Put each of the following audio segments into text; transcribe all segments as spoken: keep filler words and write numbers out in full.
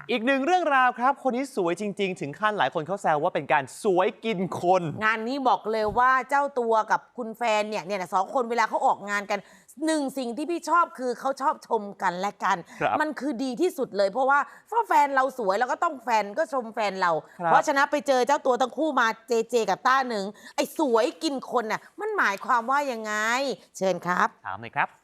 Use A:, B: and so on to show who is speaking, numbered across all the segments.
A: อีกหนึ่งเรื่องราวครับคนนี้สวยจริงๆถึงขั้นหลายคนเขาแซวว่าเป็นการสวยกินคน
B: งานนี้บอกเลยว่าเจ้าตัวกับคุณแฟนเนี่ยเนี่ยสองคนเวลาเขาออกงานกันหนึ่งสิ่งที่พี่ชอบคือเขาชอบชมกันและกัน มันคือดีที่สุดเลยเพราะว่าถ้าแฟนเราสวยเราก็ต้องแฟนก็ชมแฟนเรา เพราะฉะนั้นไปเจอเจ้าตัวทั้งคู่มาเจเจกับต้าหนึ่งไอ้สวยกินคนน่ะมันหมายความว่ายังไงเชิญครับ
A: ถามเลยครับ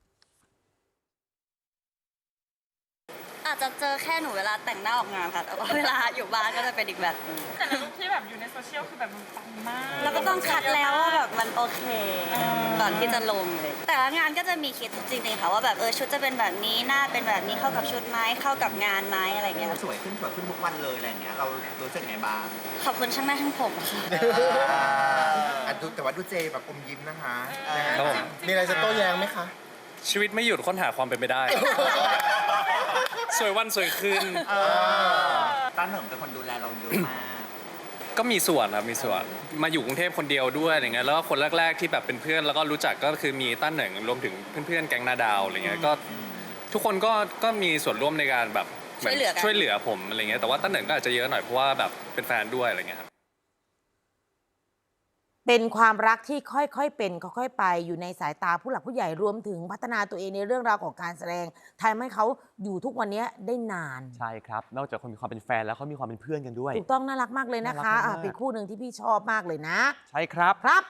C: อาจจะเจอแค่หนูเวลาแต่งหน้าออกงานค่ะ แต่ว่าเวลาอยู่บ้านก็จะเป็นอีกแบบนึง
D: แต่ในรูปที่แบบอยู่ในโซเชียลคือแบบมันปังมาก
C: แล้วก็ต้องคัดแล้วว่าแบบมันโอเค ก่อนที่จะลงเลย แต่ละงานก็จะมีคิดจริงๆค่ะว่าแบบเออชุดจะเป็นแบบนี้หน้าเป็นแบบนี้เข้ากับชุดไหมเข้ากับงานไหมอะไรอย่างเงี้ยค่ะ
E: สวยขึ้นสวยขึ้นทุกวันเลยอะไรอย่างเงี้ยเรารู้สึกไงบ้าง
C: ขอบคุณช่างหน้าช่างผมค่ะ
F: อ่ะดูแต่ว่าดูเจแบบอมยิ้มนะคะ
G: ครับผม
F: มีอะไรจะโต้แย้งไหมคะ
G: ชีวิตไม่หยุดค้นหาความเป็นไปได้ สวยวันสวยคืน
E: ต้าเหนิงเป็นคนดูแลเราเยอะมาก
G: ก็มีส่วนครับมีส่วนมาอยู่กรุงเทพคนเดียวด้วยอะไรเงี้ยแล้วก็คนแรกๆที่แบบเป็นเพื่อนแล้วก็รู้จักก็คือมีต้าเหนิงรวมถึงเพื่อนๆแก๊งนาดาวอะไรเงี้ยก็ทุกคนก็ก็มีส่วนร่วมในการแบบมืน
C: ช่วยเหลือกัน
G: ช่วยเหลือผมอะไรเงี้ยแต่ว่าต้าเหนิงก็อาจจะเยอะหน่อยเพราะว่าแบบเป็นแฟนด้วยอะไรเงี้ยครับ
B: เป็นความรักที่ค่อยๆเป็นค่อยๆไปอยู่ในสายตาผู้หลักผู้ใหญ่รวมถึงพัฒนาตัวเองในเรื่องราวของการแสดงทำให้เขาอยู่ทุกวันนี้ได้นาน
A: ใช่ครับนอกจากคนมีความเป็นแฟนแล้วเขามีความเป็นเพื่อนกันด้วย
B: ถูกต้องน่ารักมากเลยนะคะ
A: น่ารักมาก
B: อ่ะเป็นคู่หนึ่งที่พี่ชอบมากเลยนะ
A: ใช่ครับ
B: ครับ